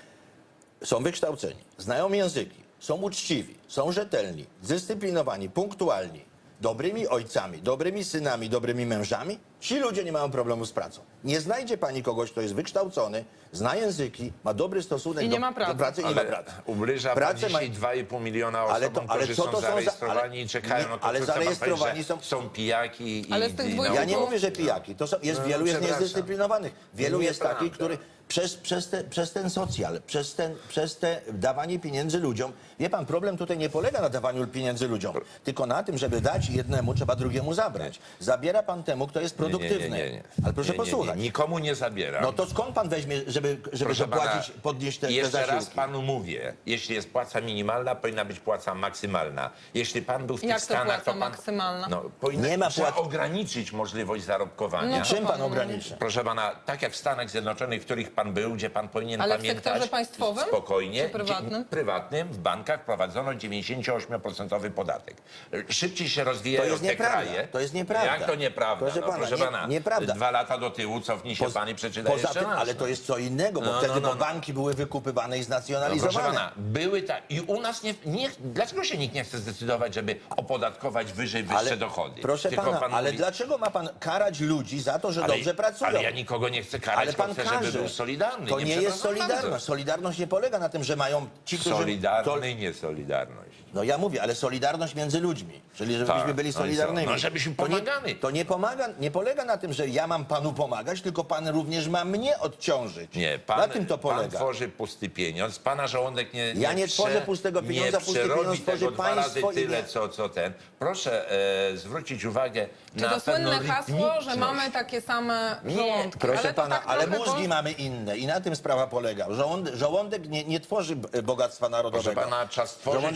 Speaker 3: są wykształceni, znają języki, są uczciwi, są rzetelni, zdyscyplinowani, punktualni, dobrymi ojcami, dobrymi synami, dobrymi mężami, ci ludzie nie mają problemu z pracą. Nie znajdzie pani kogoś, kto jest wykształcony, zna języki, ma dobry stosunek
Speaker 1: I nie
Speaker 3: do,
Speaker 1: ma pracy.
Speaker 3: do pracy i nie ma
Speaker 2: Ale
Speaker 3: pracy.
Speaker 2: ubliża pan
Speaker 3: Pracę
Speaker 2: dzisiaj
Speaker 3: ma-
Speaker 2: dwa i pół miliona osobom,
Speaker 3: Ale to- ale
Speaker 2: którzy
Speaker 3: co
Speaker 2: są
Speaker 3: to są za-
Speaker 2: zarejestrowani
Speaker 3: ale-
Speaker 2: i czekają.
Speaker 3: nie,
Speaker 2: No to
Speaker 3: ale
Speaker 2: co chce pan
Speaker 3: zarejestrowani
Speaker 2: powiedzieć,
Speaker 3: są-
Speaker 2: że są pijaki i...
Speaker 1: Ale z tych
Speaker 2: i
Speaker 1: dwóch-
Speaker 3: Ja nie
Speaker 2: naukowcy.
Speaker 3: mówię, że pijaki. To są, jest
Speaker 2: No,
Speaker 3: wielu jest
Speaker 2: przepraszam.
Speaker 3: niezdyscyplinowanych. Wielu jest
Speaker 2: Nieprawda.
Speaker 3: takich, który przez, przez, te, przez ten socjal, przez, ten, przez te dawanie pieniędzy ludziom. Wie pan, problem tutaj nie polega na dawaniu pieniędzy ludziom, tylko na tym, żeby dać jednemu, trzeba drugiemu zabrać. Zabiera pan temu, kto jest
Speaker 2: Nie, nie,
Speaker 3: produktywny.
Speaker 2: nie, nie, nie.
Speaker 3: Ale proszę
Speaker 2: Nie, nie, nie.
Speaker 3: posłuchać.
Speaker 2: Nikomu nie zabieram.
Speaker 3: No to skąd pan weźmie, żeby, żeby
Speaker 2: Proszę
Speaker 3: zapłacić,
Speaker 2: pana,
Speaker 3: podnieść te, te
Speaker 2: jeszcze raz
Speaker 3: zasiłki?
Speaker 2: panu mówię, jeśli jest płaca minimalna, powinna być płaca maksymalna. Jeśli pan był w tych
Speaker 1: Jak to
Speaker 2: Stanach,
Speaker 1: płaca
Speaker 2: to pan...
Speaker 1: maksymalna?
Speaker 2: No, powinna,
Speaker 3: Nie ma
Speaker 2: trzeba
Speaker 3: płac-
Speaker 2: ograniczyć możliwość zarobkowania.
Speaker 1: No,
Speaker 3: Czym pan
Speaker 1: panu
Speaker 3: ograniczy?
Speaker 2: Proszę pana, tak jak w Stanach Zjednoczonych, w których pan był, gdzie pan powinien
Speaker 1: Ale w
Speaker 2: pamiętać...
Speaker 1: sektorze państwowym
Speaker 2: Spokojnie.
Speaker 1: czy prywatnym?
Speaker 2: Dzie- prywatnym. W bankach prowadzono dziewięćdziesięcioośmioprocentowy podatek. Szybciej się rozwijają
Speaker 3: To jest
Speaker 2: te
Speaker 3: nieprawda.
Speaker 2: kraje.
Speaker 3: To jest nieprawda.
Speaker 2: Jak to nieprawda?
Speaker 3: Proszę
Speaker 2: no,
Speaker 3: pana,
Speaker 2: proszę
Speaker 3: nie-
Speaker 2: pana,
Speaker 3: nieprawda.
Speaker 2: Dwa lata do tyłu cofnij się
Speaker 3: Poza-
Speaker 2: pan i przeczytaj
Speaker 3: Poza
Speaker 2: jeszcze
Speaker 3: tym,
Speaker 2: raz.
Speaker 3: ale to jest co innego, bo
Speaker 2: No,
Speaker 3: wtedy
Speaker 2: no, no,
Speaker 3: bo
Speaker 2: no.
Speaker 3: banki były wykupywane i
Speaker 2: No,
Speaker 3: znacjonalizowane.
Speaker 2: proszę pana, były tak. I u nas nie, nie. Dlaczego się nikt nie chce zdecydować, żeby opodatkować wyżej wyższe dochody?
Speaker 3: Proszę
Speaker 2: Tylko
Speaker 3: pana,
Speaker 2: pan
Speaker 3: ale
Speaker 2: mówi-
Speaker 3: dlaczego ma pan karać ludzi za to, że
Speaker 2: ale,
Speaker 3: dobrze pracują?
Speaker 2: Ale ja nikogo nie chcę karać,
Speaker 3: Ale
Speaker 2: tylko
Speaker 3: pan
Speaker 2: chcę,
Speaker 3: każe.
Speaker 2: żeby był solidarny.
Speaker 3: To nie, jest
Speaker 2: przepraszam
Speaker 3: solidarność.
Speaker 2: bardzo.
Speaker 3: Solidarność nie polega na tym, że mają ci, którzy...
Speaker 2: Solidarny,
Speaker 3: To,
Speaker 2: nie solidarność.
Speaker 3: no ja mówię, ale solidarność między ludźmi. Czyli żebyśmy
Speaker 2: Tak,
Speaker 3: byli
Speaker 2: no i co?
Speaker 3: solidarnymi.
Speaker 2: No, żebyśmy
Speaker 3: To nie-
Speaker 2: pomagali.
Speaker 3: To nie, pomaga, nie polega na tym, że ja mam panu pomagać, tylko pan również ma mnie odciążyć.
Speaker 2: Nie, pan,
Speaker 3: na tym to
Speaker 2: pan
Speaker 3: polega.
Speaker 2: tworzy pusty pieniądz, pana żołądek nie, nie
Speaker 3: Ja nie
Speaker 2: prze-
Speaker 3: tworzę pustego pieniądza,
Speaker 2: nie
Speaker 3: pusty
Speaker 2: przerobi
Speaker 3: pieniądz tworzy
Speaker 2: tego dwa razy
Speaker 3: państwo i
Speaker 2: tyle,
Speaker 3: nie-
Speaker 2: co, co ten. Proszę e, zwrócić uwagę
Speaker 1: Czy
Speaker 2: na
Speaker 1: to
Speaker 2: pewną
Speaker 1: słynne hasło, że
Speaker 2: rytmiczność.
Speaker 1: mamy takie same
Speaker 2: Nie,
Speaker 1: żołądki?
Speaker 3: Proszę
Speaker 1: ale to
Speaker 3: pana,
Speaker 1: tak
Speaker 3: ale
Speaker 1: trochę
Speaker 3: mózgi
Speaker 1: to-
Speaker 3: mamy inne i na tym sprawa polega. Żołądek, żołądek nie, nie tworzy b- bogactwa narodowego.
Speaker 2: Proszę pana, trzeba stworzyć
Speaker 3: Żołądek nie-
Speaker 2: możliwość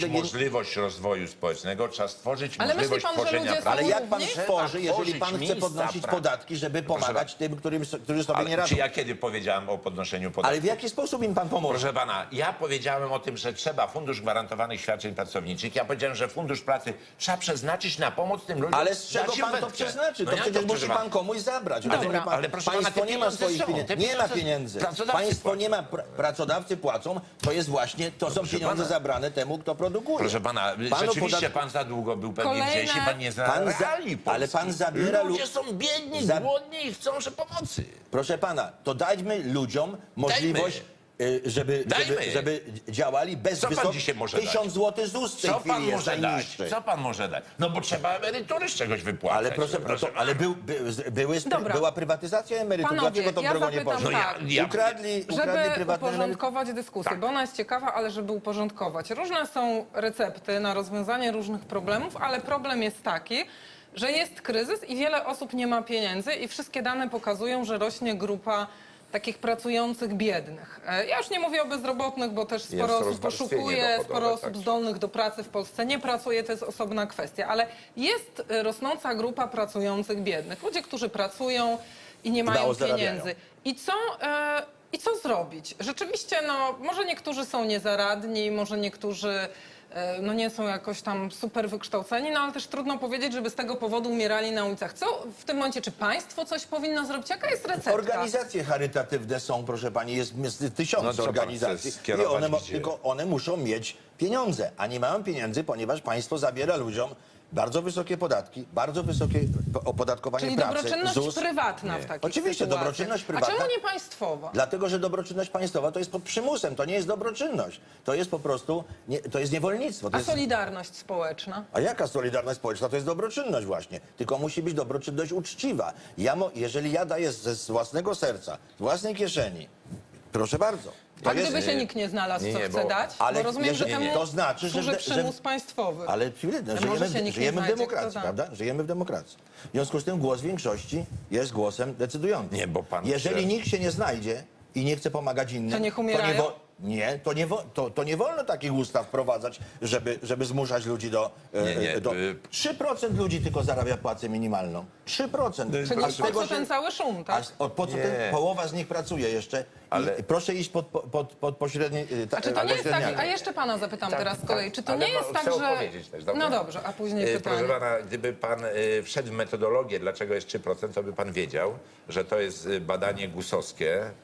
Speaker 2: możliwość rozwoju społecznego, trzeba stworzyć
Speaker 1: Ale myśli
Speaker 2: możliwość
Speaker 1: pan, że
Speaker 2: tworzenia
Speaker 1: ludzie są
Speaker 2: pracy.
Speaker 3: Ale jak pan
Speaker 1: równi?
Speaker 3: tworzy, jeżeli
Speaker 2: tworzyć
Speaker 3: pan chce
Speaker 2: miejsca
Speaker 3: podnosić
Speaker 2: pracy.
Speaker 3: podatki, żeby pomagać tym, którym, którzy sobie nie
Speaker 2: Ale,
Speaker 3: radzą?
Speaker 2: czy ja kiedy powiedziałem o podnoszeniu podatków?
Speaker 3: Ale w jaki sposób im pan pomoże?
Speaker 2: Proszę pana, ja powiedziałem o tym, że trzeba Fundusz Gwarantowanych Świadczeń Pracowniczych. Ja powiedziałem, że Fundusz Pracy trzeba przeznaczyć na pomoc tym ludziom.
Speaker 3: Ale z czego
Speaker 2: dać im
Speaker 3: pan to
Speaker 2: wędkę.
Speaker 3: przeznaczy?
Speaker 2: No
Speaker 3: To
Speaker 2: jak
Speaker 3: przecież
Speaker 2: proszę
Speaker 3: musi
Speaker 2: pana?
Speaker 3: pan komuś zabrać.
Speaker 2: Ale-
Speaker 3: Rozumie pan?
Speaker 2: ale proszę pana,
Speaker 3: Państwo
Speaker 2: te
Speaker 3: nie ma
Speaker 2: pieniądze
Speaker 3: swoich
Speaker 2: są,
Speaker 3: pieniędzy.
Speaker 2: te
Speaker 3: Nie ma
Speaker 2: pieniądze
Speaker 3: pieniędzy.
Speaker 2: pracodawcy
Speaker 3: Państwo
Speaker 2: płacą.
Speaker 3: nie ma, pra- pracodawcy płacą. To jest właśnie, to są
Speaker 2: proszę
Speaker 3: pieniądze
Speaker 2: pana.
Speaker 3: zabrane temu, kto produkuje.
Speaker 2: Proszę pana,
Speaker 3: Panu
Speaker 2: rzeczywiście
Speaker 3: podat-
Speaker 2: pan za długo był pewnie
Speaker 1: Kolejne-
Speaker 2: gdzieś i pan nie zna
Speaker 3: Pan za-
Speaker 2: reali
Speaker 3: ale
Speaker 2: Polski.
Speaker 3: pan zabiera lu-
Speaker 2: Ludzie są biedni,
Speaker 3: za-
Speaker 2: głodni i chcą że pomocy.
Speaker 3: Proszę pana, to dajmy ludziom możliwość, y, żeby,
Speaker 2: Dajmy.
Speaker 3: żeby, żeby działali bez
Speaker 2: Co pan
Speaker 3: wysok...
Speaker 2: dzisiaj może dać?
Speaker 3: Tysiąc złotych Z U S w tej
Speaker 2: Co pan
Speaker 3: chwili jest
Speaker 2: może dać?
Speaker 3: najniższy.
Speaker 2: Co pan może dać? No bo trzeba emerytury z czegoś wypłacać.
Speaker 3: Ale proszę, no to, ale był, by, były,
Speaker 1: Dobra.
Speaker 3: była prywatyzacja emerytur.
Speaker 1: Panowie,
Speaker 3: Dlaczego tą
Speaker 1: ja
Speaker 3: drogą nie
Speaker 1: zapytam
Speaker 3: poszło?
Speaker 2: No ja-
Speaker 1: tak,
Speaker 2: ja-
Speaker 3: ukradli, ukradli
Speaker 1: żeby
Speaker 3: prywatne emerytury.
Speaker 1: uporządkować dyskusję,
Speaker 2: Tak.
Speaker 1: bo ona jest ciekawa, ale żeby uporządkować. Różne są recepty na rozwiązanie różnych problemów, ale problem jest taki, że jest kryzys i wiele osób nie ma pieniędzy i wszystkie dane pokazują, że rośnie grupa takich pracujących biednych. E, Ja już nie mówię o bezrobotnych, bo też sporo osób
Speaker 2: rozwarstwienie
Speaker 1: poszukuje,
Speaker 2: dochodowe,
Speaker 1: sporo osób
Speaker 2: tak.
Speaker 1: zdolnych do pracy w Polsce nie pracuje, to jest osobna kwestia, ale jest e, rosnąca grupa pracujących biednych. Ludzie, którzy pracują i nie mają
Speaker 3: mało zarabiają.
Speaker 1: pieniędzy. I co, e, I co zrobić? Rzeczywiście, no, może niektórzy są niezaradni, może niektórzy e, no, nie są jakoś tam super wykształceni, no ale też trudno powiedzieć, żeby z tego powodu umierali na ulicach. Co w tym momencie, czy państwo coś powinno zrobić? Jaka jest recepta?
Speaker 3: Organizacje charytatywne są, proszę pani, jest, jest tysiące
Speaker 2: No co pan
Speaker 3: organizacji
Speaker 2: chce
Speaker 3: i
Speaker 2: skierować
Speaker 3: one, mo-
Speaker 2: gdzie?
Speaker 3: tylko one muszą mieć pieniądze, a nie mają pieniędzy, ponieważ państwo zabiera ludziom bardzo wysokie podatki, bardzo wysokie po- opodatkowanie
Speaker 1: Czyli
Speaker 3: pracy,
Speaker 1: dobroczynność
Speaker 3: Z U S.
Speaker 1: prywatna w takich
Speaker 3: Oczywiście,
Speaker 1: sytuacjach.
Speaker 3: dobroczynność prywatna.
Speaker 1: A czemu nie państwowa?
Speaker 3: Dlatego, że dobroczynność państwowa to jest pod przymusem, to nie jest dobroczynność. To jest po prostu, nie, to jest niewolnictwo. To
Speaker 1: A
Speaker 3: jest,
Speaker 1: solidarność społeczna?
Speaker 3: a jaka solidarność społeczna? To jest dobroczynność właśnie. Tylko musi być dobroczynność uczciwa. Ja mo, jeżeli ja daję ze z własnego serca, z własnej kieszeni, proszę bardzo. To
Speaker 1: A
Speaker 3: jest,
Speaker 1: gdyby się nikt nie znalazł,
Speaker 2: nie,
Speaker 1: co
Speaker 2: nie,
Speaker 1: chce
Speaker 2: bo-
Speaker 1: dać?
Speaker 3: ale
Speaker 1: bo rozumiem,
Speaker 3: jeżeli-
Speaker 1: że
Speaker 3: nie,
Speaker 1: temu
Speaker 3: to znaczy, że
Speaker 1: służy
Speaker 3: de- że-
Speaker 1: przymus państwowy.
Speaker 3: ale chwilę,
Speaker 1: może
Speaker 3: żyjemy,
Speaker 1: się nikt nie
Speaker 3: żyjemy w
Speaker 1: znajdzie,
Speaker 3: demokracji,
Speaker 1: kto da.
Speaker 3: prawda? Żyjemy w demokracji. W związku z tym głos większości jest głosem decydującym.
Speaker 2: Nie, bo pan
Speaker 3: Jeżeli
Speaker 2: chce-
Speaker 3: nikt się nie znajdzie i nie chce pomagać innym,
Speaker 1: To niech
Speaker 3: nie,
Speaker 1: umierają?
Speaker 3: wo- nie, to nie, wo- to, to nie wolno takich ustaw wprowadzać, żeby, żeby zmuszać ludzi do... e,
Speaker 2: Nie, nie,
Speaker 3: do
Speaker 2: y-
Speaker 3: trzy procent ludzi tylko zarabia płacę minimalną. trzy procent.
Speaker 1: Czyli
Speaker 3: A z
Speaker 1: po
Speaker 3: tego
Speaker 1: co
Speaker 3: się-
Speaker 1: ten cały szum,
Speaker 3: A
Speaker 1: tak?
Speaker 3: z- o, po co
Speaker 2: Nie.
Speaker 3: ten, połowa z nich pracuje jeszcze?
Speaker 2: Ale-
Speaker 3: I proszę iść pod, pod, pod pośredni... y, ta-
Speaker 1: A czy to nie jest tak,
Speaker 3: pośredniaka.
Speaker 1: a jeszcze pana zapytam
Speaker 2: Tak,
Speaker 1: teraz z kolei,
Speaker 2: tak,
Speaker 1: czy to
Speaker 2: ale
Speaker 1: nie jest
Speaker 2: no,
Speaker 1: tak,
Speaker 2: chcę
Speaker 1: że...
Speaker 2: odpowiedzieć też, dobra?
Speaker 1: No dobrze, a później
Speaker 2: E,
Speaker 1: pytanie.
Speaker 2: Proszę pana, gdyby pan e, wszedł w metodologię, dlaczego jest trzy procent, to by pan wiedział, że to jest e, badanie gusowskie, e,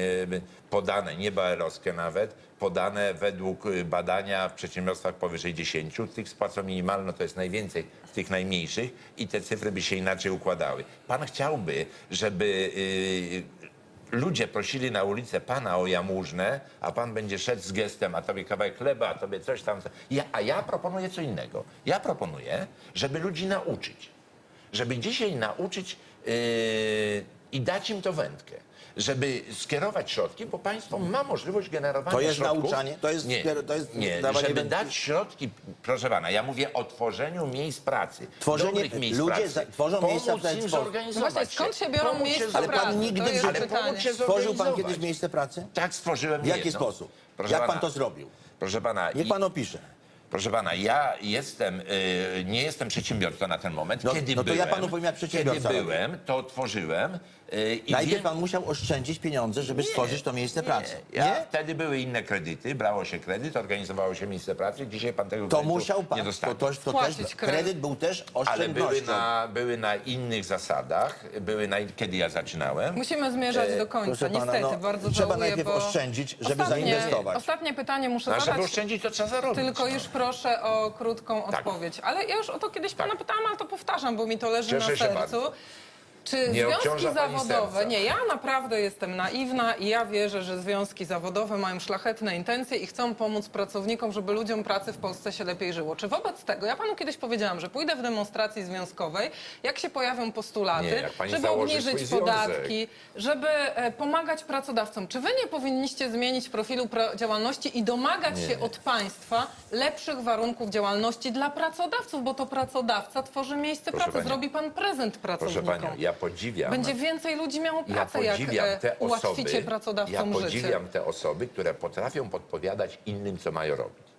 Speaker 2: podane, nie B A R-owskie nawet, podane według e, badania w przedsiębiorstwach powyżej dziesięciu. Tych z płacą minimalną to jest najwięcej z tych najmniejszych i te cyfry by się inaczej układały. Pan chciałby, żeby e, ludzie prosili na ulicę pana o jałmużnę, a pan będzie szedł z gestem, a tobie kawałek chleba, a tobie coś tam. Ja, a ja proponuję co innego. Ja proponuję, żeby ludzi nauczyć. Żeby dzisiaj nauczyć yy, i dać im to wędkę. Żeby skierować środki, bo państwo ma możliwość generowania
Speaker 3: To jest
Speaker 2: środków.
Speaker 3: nauczanie? To jest
Speaker 2: nie,
Speaker 3: skier- to jest
Speaker 2: nie,
Speaker 3: dawanie
Speaker 2: żeby
Speaker 3: wędki?
Speaker 2: dać środki, proszę pana, ja mówię o tworzeniu miejsc pracy.
Speaker 3: Tworzenie-
Speaker 2: dobrych miejsc
Speaker 3: ludzie
Speaker 2: pracy.
Speaker 3: za- tworzą miejsca
Speaker 2: Pomóc
Speaker 3: w ten
Speaker 2: im
Speaker 3: sposób.
Speaker 2: zorganizować
Speaker 1: No właśnie, skąd się biorą
Speaker 2: Pomóc
Speaker 1: miejsca
Speaker 2: zorganizować.
Speaker 3: Ale pan
Speaker 1: pracy?
Speaker 3: nigdy
Speaker 1: To
Speaker 3: w
Speaker 1: jest
Speaker 3: życiu-
Speaker 2: Ale
Speaker 1: pytanie.
Speaker 2: pomóc się
Speaker 3: Stworzył pan
Speaker 2: zorganizować.
Speaker 3: kiedyś miejsce pracy?
Speaker 2: Tak, stworzyłem
Speaker 3: W jaki
Speaker 2: jedno.
Speaker 3: sposób?
Speaker 2: Proszę
Speaker 3: Jak
Speaker 2: pana,
Speaker 3: pan to zrobił?
Speaker 2: Proszę pana,
Speaker 3: Niech
Speaker 2: i-
Speaker 3: pan opisze.
Speaker 2: proszę pana, ja jestem, y, nie jestem przedsiębiorcą na ten moment.
Speaker 3: No-
Speaker 2: Kiedy
Speaker 3: no to ja
Speaker 2: byłem,
Speaker 3: panu powiem, jak przedsiębiorca
Speaker 2: Kiedy
Speaker 3: robi.
Speaker 2: byłem, to tworzyłem. Y, i
Speaker 3: Najpierw
Speaker 2: wiem-
Speaker 3: pan musiał oszczędzić pieniądze, żeby stworzyć to miejsce pracy.
Speaker 2: Ja,
Speaker 3: Nie?
Speaker 2: Wtedy były inne kredyty, brało się kredyt, organizowało się miejsce pracy. Dzisiaj pan tego
Speaker 3: To
Speaker 2: kredytu
Speaker 3: musiał
Speaker 2: nie
Speaker 3: pan. To,
Speaker 2: dostanie.
Speaker 3: to, to też,
Speaker 1: Spłacić kredyt.
Speaker 3: kredyt był też
Speaker 2: Ale były
Speaker 3: oszczędnością.
Speaker 2: na, były na innych zasadach, były na, kiedy ja zaczynałem.
Speaker 1: Musimy zmierzać do końca,
Speaker 3: proszę pana,
Speaker 1: niestety,
Speaker 3: no,
Speaker 1: bardzo
Speaker 3: trzeba
Speaker 1: żałuję,
Speaker 3: najpierw
Speaker 1: bo
Speaker 3: oszczędzić, żeby
Speaker 1: ostatnie,
Speaker 3: zainwestować.
Speaker 1: Ostatnie pytanie muszę
Speaker 2: No, a żeby
Speaker 1: zadać.
Speaker 2: oszczędzić, to trzeba zarobić.
Speaker 1: Tylko
Speaker 2: no.
Speaker 1: już proszę o krótką
Speaker 2: Tak.
Speaker 1: odpowiedź. Ale ja już o to kiedyś pana
Speaker 2: Tak.
Speaker 1: pytałam, ale to powtarzam, bo mi to leży
Speaker 2: Cieszę
Speaker 1: na
Speaker 2: się
Speaker 1: sercu.
Speaker 2: bardzo.
Speaker 1: Czy
Speaker 2: Nie
Speaker 1: związki
Speaker 2: obciąża pani
Speaker 1: zawodowe...
Speaker 2: serca.
Speaker 1: Nie, ja naprawdę jestem naiwna i ja wierzę, że związki zawodowe mają szlachetne intencje i chcą pomóc pracownikom, żeby ludziom pracy w Polsce się lepiej żyło. Czy wobec tego, ja panu kiedyś powiedziałam, że pójdę w demonstracji związkowej, jak się pojawią postulaty,
Speaker 2: Nie, jak pani
Speaker 1: żeby
Speaker 2: założy
Speaker 1: obniżyć
Speaker 2: swój
Speaker 1: podatki, żeby e, pomagać pracodawcom. Czy wy nie powinniście zmienić profilu pro działalności i domagać się od państwa lepszych warunków działalności dla pracodawców, bo to pracodawca tworzy miejsce
Speaker 2: Proszę
Speaker 1: pracy.
Speaker 2: panią.
Speaker 1: Zrobi pan prezent
Speaker 2: Proszę
Speaker 1: pracownikom.
Speaker 2: panią, ja podziwiam.
Speaker 1: Będzie więcej ludzi miało
Speaker 2: Ja
Speaker 1: pracę, jak
Speaker 2: podziwiam
Speaker 1: e,
Speaker 2: te
Speaker 1: ułatwicie
Speaker 2: osoby, ja
Speaker 1: pracodawcom życie.
Speaker 2: podziwiam te osoby, które potrafią podpowiadać innym, co mają robić.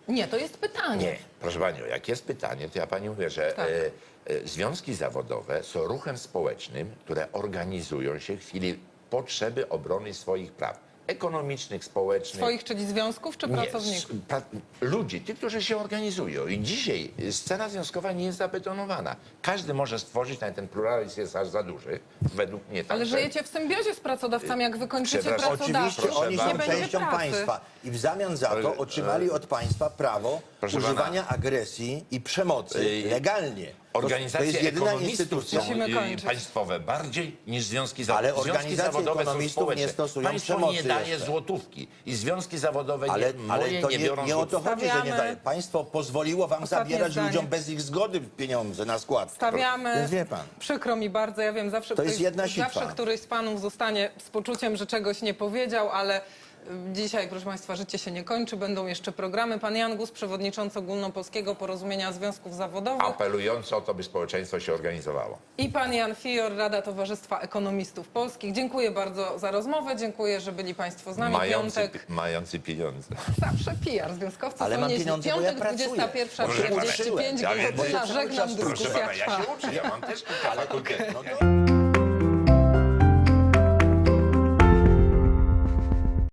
Speaker 1: Nie, to jest pytanie.
Speaker 2: Nie, proszę panią, jak jest pytanie, to ja pani mówię, że
Speaker 1: Tak.
Speaker 2: e, e, związki zawodowe są ruchem społecznym, które organizują się w chwili potrzeby obrony swoich praw ekonomicznych, społecznych.
Speaker 1: Swoich, czyli związków, czy
Speaker 2: Nie,
Speaker 1: pracowników?
Speaker 2: s- pra, ludzi, tych, którzy się organizują. I dzisiaj scena związkowa nie jest zabetonowana. Każdy może stworzyć, nawet ten pluralizm jest aż za duży, według mnie.
Speaker 1: Ale
Speaker 2: także.
Speaker 1: żyjecie w symbiozie z pracodawcami, jak wy kończycie
Speaker 2: Przepraszam,
Speaker 1: pracodawców,
Speaker 3: Oczywiście oni
Speaker 2: Proszę
Speaker 3: są
Speaker 1: nie będzie
Speaker 3: częścią
Speaker 1: pracy.
Speaker 3: państwa i w zamian za to otrzymali od państwa prawo
Speaker 2: Proszę
Speaker 3: używania agresji i przemocy
Speaker 2: Ej,
Speaker 3: legalnie. To- To
Speaker 2: Organizacje
Speaker 3: jest jedyna
Speaker 2: ekonomistów
Speaker 3: instytucja.
Speaker 2: są
Speaker 1: Musimy
Speaker 2: y,
Speaker 1: kończyć.
Speaker 2: państwowe bardziej niż związki
Speaker 3: Ale
Speaker 2: zawodowe. Związki
Speaker 3: organizacje
Speaker 2: zawodowe są
Speaker 3: ekonomistów
Speaker 2: społeczne.
Speaker 3: nie stosują
Speaker 2: Państwo
Speaker 3: przemocy
Speaker 2: nie daje
Speaker 3: jeszcze.
Speaker 2: złotówki i związki zawodowe
Speaker 3: Ale,
Speaker 2: nie,
Speaker 3: ale
Speaker 2: moje
Speaker 3: to
Speaker 2: nie,
Speaker 3: nie,
Speaker 2: biorą
Speaker 3: nie o to
Speaker 2: złotówki.
Speaker 3: chodzi, że nie
Speaker 1: Stawiamy-
Speaker 3: daje. Państwo pozwoliło wam
Speaker 1: Ostatnie
Speaker 3: zabierać
Speaker 1: zdanie.
Speaker 3: ludziom bez ich zgody pieniądze na skład.
Speaker 1: Stawiamy,
Speaker 3: Więc wie pan.
Speaker 1: przykro mi bardzo, ja wiem, zawsze,
Speaker 3: To jest
Speaker 1: ktoś,
Speaker 3: jedna sitwa.
Speaker 1: zawsze któryś z panów zostanie z poczuciem, że czegoś nie powiedział, ale y, dzisiaj, proszę państwa, życie się nie kończy, będą jeszcze programy. Pan Jan Gus, przewodniczący Ogólnopolskiego Porozumienia Związków Zawodowych
Speaker 2: Apelująco o to, by społeczeństwo się organizowało.
Speaker 1: i pan Jan Fior, Rada Towarzystwa Ekonomistów Polskich. Dziękuję bardzo za rozmowę, dziękuję, że byli państwo z nami.
Speaker 2: Mający,
Speaker 1: Piątek,
Speaker 2: mający pieniądze.
Speaker 1: zawsze P R, związkowcy
Speaker 3: Ale
Speaker 1: są
Speaker 3: mam
Speaker 1: nieźli.
Speaker 3: pieniądze, bo ja
Speaker 1: Piątek,
Speaker 3: pracuję.
Speaker 1: dwudziesta pierwsza
Speaker 2: Proszę pana,
Speaker 1: trzydzieści pięć,
Speaker 2: ja wiem,
Speaker 1: godzina,
Speaker 2: że-
Speaker 1: żegnam,
Speaker 3: Proszę
Speaker 2: Proszę
Speaker 1: dyskusja
Speaker 2: pana, ja
Speaker 1: trwa.
Speaker 2: się uczę, ja mam też kilka fakultetów.
Speaker 3: No to...